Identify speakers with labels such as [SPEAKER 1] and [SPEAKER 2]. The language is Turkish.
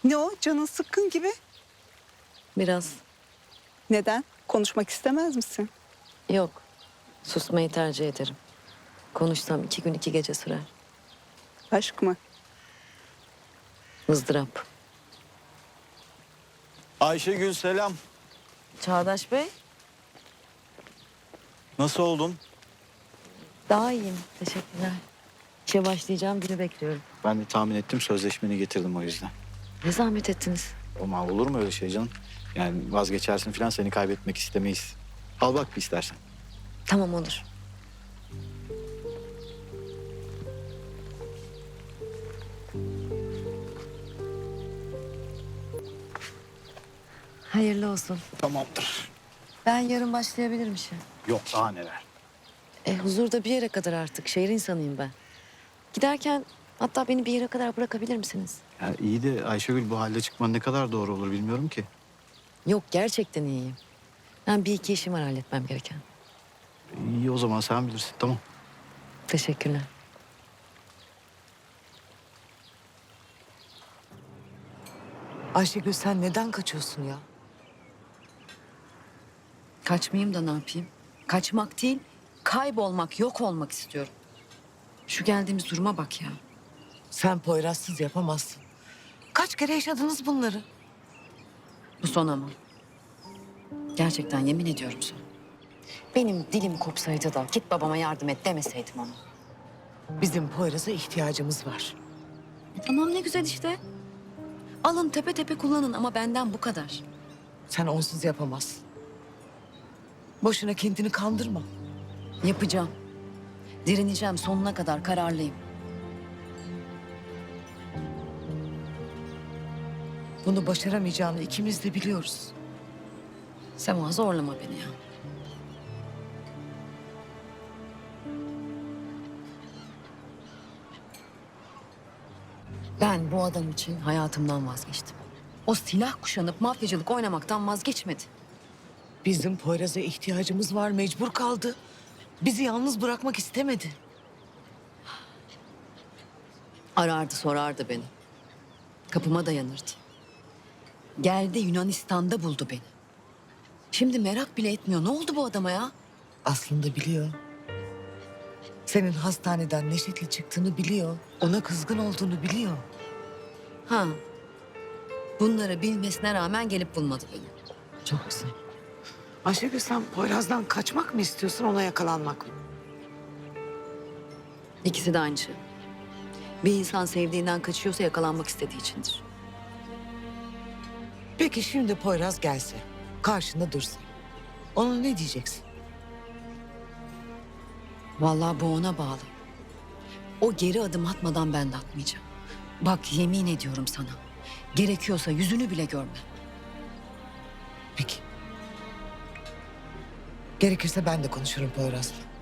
[SPEAKER 1] Ne o? Canın sıkkın gibi.
[SPEAKER 2] Biraz.
[SPEAKER 1] Neden? Konuşmak istemez misin?
[SPEAKER 2] Yok. Susmayı tercih ederim. Konuşsam 2 gün 2 gece sürer.
[SPEAKER 1] Aşk mı?
[SPEAKER 2] Izdırap.
[SPEAKER 3] Ayşegül selam.
[SPEAKER 2] Çağdaş Bey.
[SPEAKER 3] Nasıl oldun?
[SPEAKER 2] Daha iyiyim. Teşekkürler. İşe başlayacağım günü bekliyorum.
[SPEAKER 3] Ben de tahmin ettim, sözleşmeni getirdim o yüzden.
[SPEAKER 2] Ne zahmet ettiniz.
[SPEAKER 3] Ama olur mu öyle şey canım? Yani vazgeçersin falan, seni kaybetmek istemeyiz. Al bak bir istersen.
[SPEAKER 2] Tamam olur. Hayırlı olsun.
[SPEAKER 3] Tamamdır.
[SPEAKER 2] Ben yarın başlayabilirim işe.
[SPEAKER 3] Yok daha neler.
[SPEAKER 2] Huzurda bir yere kadar artık. Şehir insanıyım ben. Giderken hatta beni bir yere kadar bırakabilir misiniz?
[SPEAKER 3] Ya iyi de Ayşegül, bu halde çıkman ne kadar doğru olur bilmiyorum ki.
[SPEAKER 2] Yok gerçekten iyiyim. Ben bir iki işim var halletmem gereken.
[SPEAKER 3] İyi o zaman, sen bilirsin, tamam.
[SPEAKER 2] Teşekkürler.
[SPEAKER 4] Ayşegül sen neden kaçıyorsun ya?
[SPEAKER 2] Kaçmayayım da ne yapayım? Kaçmak değil, kaybolmak, yok olmak istiyorum. Şu geldiğimiz duruma bak ya.
[SPEAKER 4] Sen Poyraz'sız yapamazsın. Kaç kere yaşadınız bunları?
[SPEAKER 2] Bu son ama. Gerçekten yemin ediyorum son. Benim dilim kopsaydı da git babama yardım et demeseydim ona.
[SPEAKER 4] Bizim Poyraz'a ihtiyacımız var.
[SPEAKER 2] Tamam ne güzel işte. Alın tepe tepe kullanın ama benden bu kadar.
[SPEAKER 4] Sen onsuz yapamazsın. Boşuna kendini kandırma.
[SPEAKER 2] Yapacağım. Direneceğim sonuna kadar kararlıyım.
[SPEAKER 4] Bunu başaramayacağını ikimiz de biliyoruz.
[SPEAKER 2] Sema zorlama beni ya. Ben bu adam için hayatımdan vazgeçtim. O silah kuşanıp mafyacılık oynamaktan vazgeçmedi.
[SPEAKER 4] Bizim Poyraz'a ihtiyacımız var, mecbur kaldı. Bizi yalnız bırakmak istemedi.
[SPEAKER 2] Arardı sorardı beni. Kapıma dayanırdı. Geldi Yunanistan'da buldu beni. Şimdi merak bile etmiyor. Ne oldu bu adama ya?
[SPEAKER 4] Aslında biliyor. Senin hastaneden Neşet'le çıktığını biliyor. Ona kızgın olduğunu biliyor.
[SPEAKER 2] Ha. Bunları bilmesine rağmen gelip bulmadı beni.
[SPEAKER 4] Çok güzel. Ayşegül sen Poyraz'dan kaçmak mı istiyorsun, ona yakalanmak mı?
[SPEAKER 2] İkisi de aynı şey. Bir insan sevdiğinden kaçıyorsa yakalanmak istediği içindir.
[SPEAKER 4] Peki şimdi Poyraz gelse, karşında dursa. Ona ne diyeceksin?
[SPEAKER 2] Vallahi bu ona bağlı. O geri adım atmadan ben de atmayacağım. Bak yemin ediyorum sana. Gerekiyorsa yüzünü bile görme.
[SPEAKER 4] Peki. Gerekirse ben de konuşurum Poyraz'la.